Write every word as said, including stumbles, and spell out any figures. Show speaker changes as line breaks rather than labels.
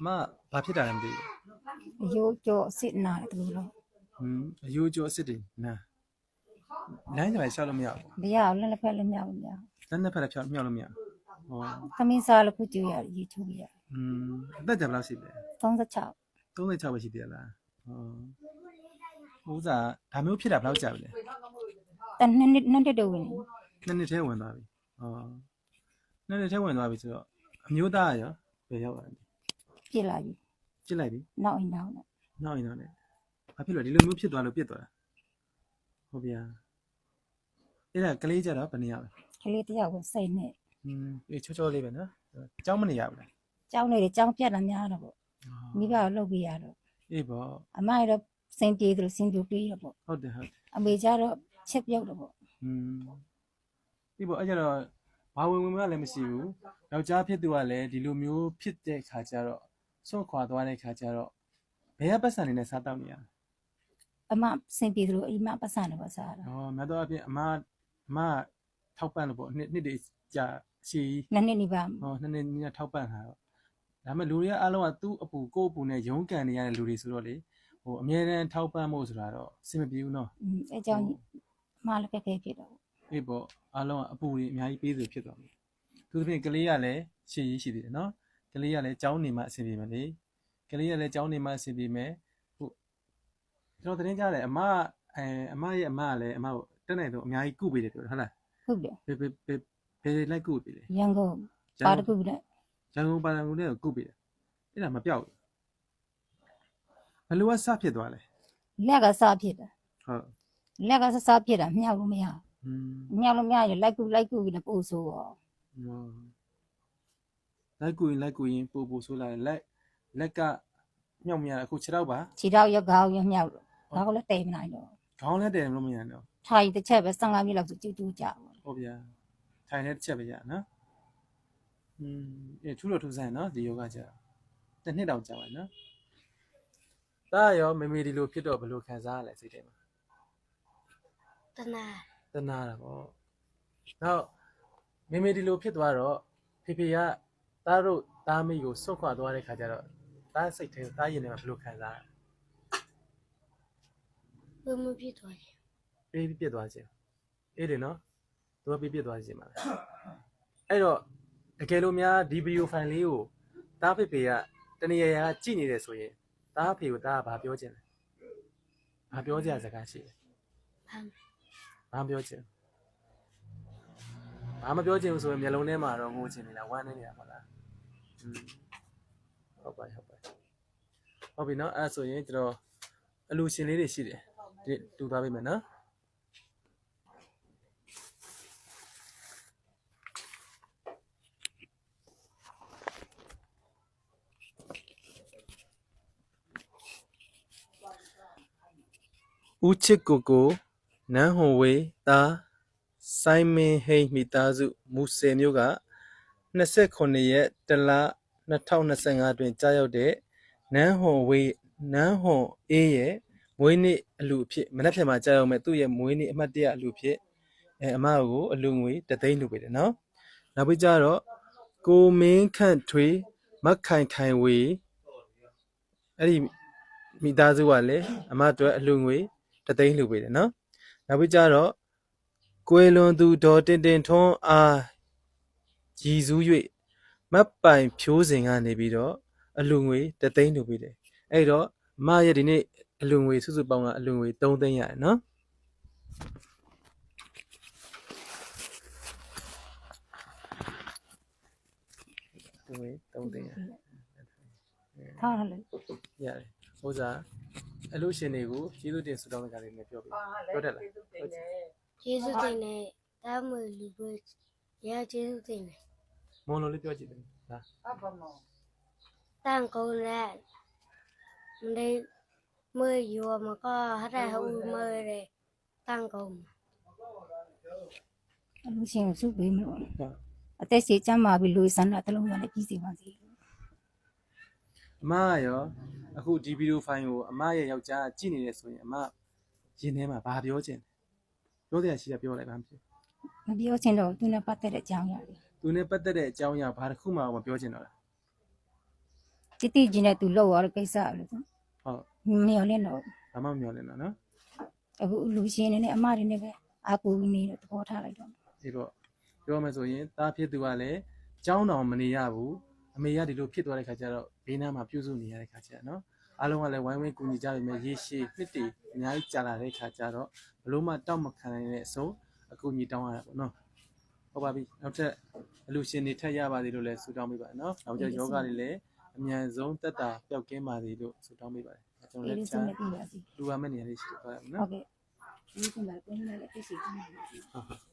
မဘာဖြစ်တာလဲမသိဘူး
အယိုးကြောအစ်စ်နာတယ်သူတို့
ဟွန်းအယိုးကျော်အစ်စ်တွေနာလိုင်းကြိုင်ရှောက်လို့မရဘူး
မရအောင်လည်းလက်ဖက်လည်းမရဘူးမရ
လက်နှစ်ဖက်လည်းဖြောက်မြောက်လို့မရဘူးဟော
သမင်းစားလို့ခုကြည့်ရတယ်ရေချိုးရ
ဟွန်းအသက်ကြဘယ်လောက်ရှိလဲ
36
36ပဲရှိသေးလားဟောဥစားဒါမျိုးဖြစ်တာဘယ်လောက်ကြာပြီလဲ
တနှစ်နှစ်နှစ်တည်းဝင်
နှစ်နှစ်ထဲဝင်သွားပြီဟောနှစ်နှစ်ထဲဝင်သွားပြီဆိုတော့အမျိုးသားရောဘယ်ရောက်လာလဲ
ပြစ်လာပြီ
ပြစ်လိုက်ပြီ
နောက်အိမ်နောက်နဲ့
နောက်အိမ်နောက်နဲ့ဘာဖြစ်လို့ဒီလိုမျိုးဖြစ်သွားလို့ပြစ်သွားတာဟုတ်ဗျာအဲ့ဒါကလေးကြတော့ဘယ်နေရလဲ
ကလေးတယောက်ကိုစိတ်နဲ့
ဟင်းအေးချောချောလေးပဲနော်ကြောင်းမနေရဘူးလား
ကြောင်းနေတယ်ကြောင်းပြတ်လာများတော့ပေါ့မိဘကိုလှုပ်ပြရတော့
အေးပေါ့
အမရတော့စင်ပြေသလိုစင်ပြပြေးတော့ပေါ့
ဟုတ်တယ်ဟုတ်တယ်
အမေကြတော့ချက်ပြုတ်တော့ပေါ့
ဟင်းဒီပေါ့အဲ့ကြတော့ဘာဝင်ဝင်မလည်းမရှိဘူးယောက်ျားဖြစ်သူကလည်းဒီလိုမျိုးဖြစ်တဲ့ခါကျတော့စွန့်ခွာသွားတဲ့ခါကျတော့ဘယ်ကပတ်စံနေနဲ့စားတောက်နေရလဲ
အမစင်ပြေသလိုအိမ်မပတ်စံတော့စားတာ
ဟောမြတ်တော့အပြင်အမအမထောက်ပံ့လို့ပေါ့နှစ်နှစ်တွေကြာရှည်
နှစ်နှစ်နေပါ
ဟောနှစ်နှစ်နီးထောက်ပံ့တာတော့ဒါပေမဲ့လူတွေကအားလုံးကသူ့အပူကိုယ့်အပူနဲ့ရုန်းကန်နေရတဲ့လူတွေဆိုတော့လေဟိုအမြဲတမ်းထောက်ပံ့ဖို့ဆိုတာတော့အဆင်မပြေဘူးနော်
အဲကြောင့်အမလည်းခက်ခဲဖြစ်တော့
အေးပေါ့အားလုံးကအပူတွေအများကြီးပေးသူဖြစ်သွားပြီသူသဖြင့်ကလေးကလည်းရှည်ရေးရှိသေးတယ်နော်ကလေးကလည်းကြောင်းနေမှအဆင်ပြေမယ်လေကလေးကလည်းကြောင်းနေမှအဆင်ပြေမယ်ဟုတ်ကျွန်တော်တင်ကြတယ်အမအဲအမရဲ့အမကလည်းအမကိုတက်နိုင်တော့အများကြီးကုပေးတယ်ပြောတယ်ဟုတ်လား
ဟုတ်တယ်
ဘယ်ဘယ်ဘယ်ဘယ်လိုက်ကုပေးလဲ
ရန်ကုန်ပါတကူနဲ့
ရန်ကုန်ပါတကူနဲ့ကုပေးတယ်အဲ့ဒါမပြောက်ဘူးဘယ်လိုကစဖြစ်သွားလဲ
လက်ကစဖြစ်တာ
ဟုတ်
လက်ကစစဖြစ်တာမြောက်လို့မရဘူးမြောက်လို့မရရင်လိုက်ကူလိုက်ကူနဲ့ပို့ဆိုးရော
လိုက်ကူရင်လိုက်ကူရင်ပို့ပို့ဆိုးလာတယ်လက်လက်ကမြောက်မရအခုခြေထောက်ပါ
ခြေထောက်ရခေါင်းရမြောက်လို့ခေါင်းလည်းတည်မနိုင်တော့
ခေါင်းလည်းတည်လို့မရတော့
ထိုင်တစ်ချက်ပဲဆယ်ငါးမိနစ်လောက်ဆိုကျူးကျူးကြပါ
ဟုတ်ဗျာထိုင်တဲ့တစ်ချက်ပဲရနော်อืมအဲထူးလို့ထူးဆန်းနော်ဒီယောဂကြာတစ်နှစ်တောင်ကြာပါနော်ဒါရောမမေဒီလိုဖြစ်တော့ဘယ်လိုခံစားရလဲစိတ်ထဲမှာ
တနာ
တနာတာပေါ့နောက်မမေဒီလိုဖြစ်သွားတော့ဖေဖေကသားတို့သားမိကိုစွန့်ခွာသွားတဲ့ခါကျတော့သားစိတ်ထဲသားရင်ထဲမှာဘယ်လိုခံစား
ရလဲဘယ်မှာပြစ်သွားလဲ
ပေးပြစ်သွားခြင်းအေးတယ်နော်သူကပေးပြစ်သွားခြင်းပါလားအဲ့တော့တကယ်လို့များဒီဗီဒီယိုဖိုင်လေးကိုသားဖေဖေကတနေရာရာကြည့်နေတယ်ဆိုရင်သားဖေကိုသားကဘာပြောချင်လဲဘာပြောကြစကားရှိလဲဘာဘာပြောချင်ဘာမပြောချင်ဘူးဆိုရင်မျက်လုံးထဲမှာတော့ငိုချင်နေတာဝမ်းနေနေတာပေါ့လားอืมဟုတ်ပါဟုတ်ပါဟုတ်ပြီနော်အဲ့ဆိုရင်ကျွန်တော်အလူရှင်လေးတွေရှိတယ်ဒီတူသွားပေးမယ်နော်ဦးချစ်ကိုကိုနန်းဟွန်ဝေးသားစိုင်းမင်းဟိန်းမိသားစုမူဆယ်မြို့က၂၉ရက်တလ၂၀၂၅တွင်ကြားရောက်တဲ့နန်းဟွန်ဝေးနန်းဟွန်အေးရဲ့မွေးနေ့အလူအဖြစ်မနက်ဖြန်မှာကြားရောက်မဲ့သူ့ရဲ့မွေးနေ့အမှတ်တရအလူအဖြစ်အဲအမကိုအလူငွေတသိန်းလူပေးတယ်နော်နောက်ပြီးကြတော့ကိုမင်းခန့်ထွေးမခိုင်ခိုင်ဝေးအဲ့ဒီမိသားစုကလည်းအမအတွက်အလူငွေတသိန်းလူပေးတယ်နော်နောက်ပြီးကြတော့ကွယ်လွန်သူဒေါ်တင်တင်ထွန်းအားရည်စူး၍မတ်ပိုင်ဖြိုးစဉ်ကနေပြီးတော့အလူငွေတသိန်းလူပေးတယ်အဲ့တော့အမရဲ့ဒီနေ့အလူငွေစုစုပေါင်းကအလူငွေသုံးသိန်းရတယ်နော်အလူငွေသုံးသိန်းရ
ထားရလေ
ရတယ်ဟိုစားအလူရှင်တွေကိုကျေးဇူးတင်ဆုတောင်းတဲ့ကြလေးနဲ့ပြောပြပြောတတ်လား
ကျေးဇူးတင်တယ်တားမလူပဲရကျေးဇူးတင်တယ်
မွန်လို့လေးပြောကြည့်တယ်ဟာ
အဘမောတန်ကုန်နဲ့နေမွေရောမကဟရဟူမရဲတန်ကုန်အလူရှင်စုပေးမလို့အသက်စီကျမ်းမာပြီးလူစန္ဒတလုံးရလည်းပြီးစီပါစေ
အမရောအခုဒီဗီဒီယိုဖိုင်ကိုအမရဲ့ယောက်ျားကြည့်နေတယ်ဆိုရင်အမရင်ထဲမှာဘာပြောချင်လဲပြောတဲ့အရှိကပြောလိုက်ပါမဖြစ်
မပြောချင်တော့သူနဲ့ပတ်သက်တဲ့အကြောင်းရတယ်
သူနဲ့ပတ်သက်တဲ့အကြောင်းအရာဘာတစ်ခုမှမပြောချင်တော့လား
တိတိကျကျနဲ့သူလောက်ရတဲ့ကိစ္စလို့
ဟုတ်
မမျော်လင့်တော့
ဘာမှမမျှော်လင့်တော့နော်
အခုလူရှင်နေနဲ့အမတွေနဲ့ပဲအာကူနေတော့သဘောထားလိုက်တော့
ဒီတော့ပြောမယ်ဆိုရင်တားဖြစ်သူကလည်းကြောင်းတော်မနေရဘူးအမေကဒီလိုဖြစ်သွားတဲ့ခါကျတော့ဘေးနားမှာပြုစုနေရတဲ့ခါကျတော့နော်အားလုံးကလည်းဝိုင်းဝန်းကူညီကြပြီမဲ့ရေရှည်နှစ်တည်အများကြီးကြာလာတဲ့ခါကျတော့ဘလို့မှတောက်မခံနိုင်တဲ့အဆုံးအကူညီတောင်းရတာပေါ့နော်ဟုတ်ပါပြီနောက်ထပ်အလူရှင်တွေထက်ရပါသေးလို့လည်းဆုတောင်းပေးပါနော်နောက်ကျယောဂတွေလည်းအမြန်ဆုံးတက်တာပျောက်ကင်းပါသေးလို့ဆုတောင်းပေးပါတယ်ကျွန်တော်
အေး
လည်း
လေး
ချာ
စုံနဲ့ပြပါစီ
လူပါမဲ့နေရာလေးရှိသွားရမယ်
ဟု
နော်
တ်ကဲ့ဒီကမှာကိုယ်နဲ့လည်းပြည့်စုံနေပါပြီ
ဟုတ်ဟုတ်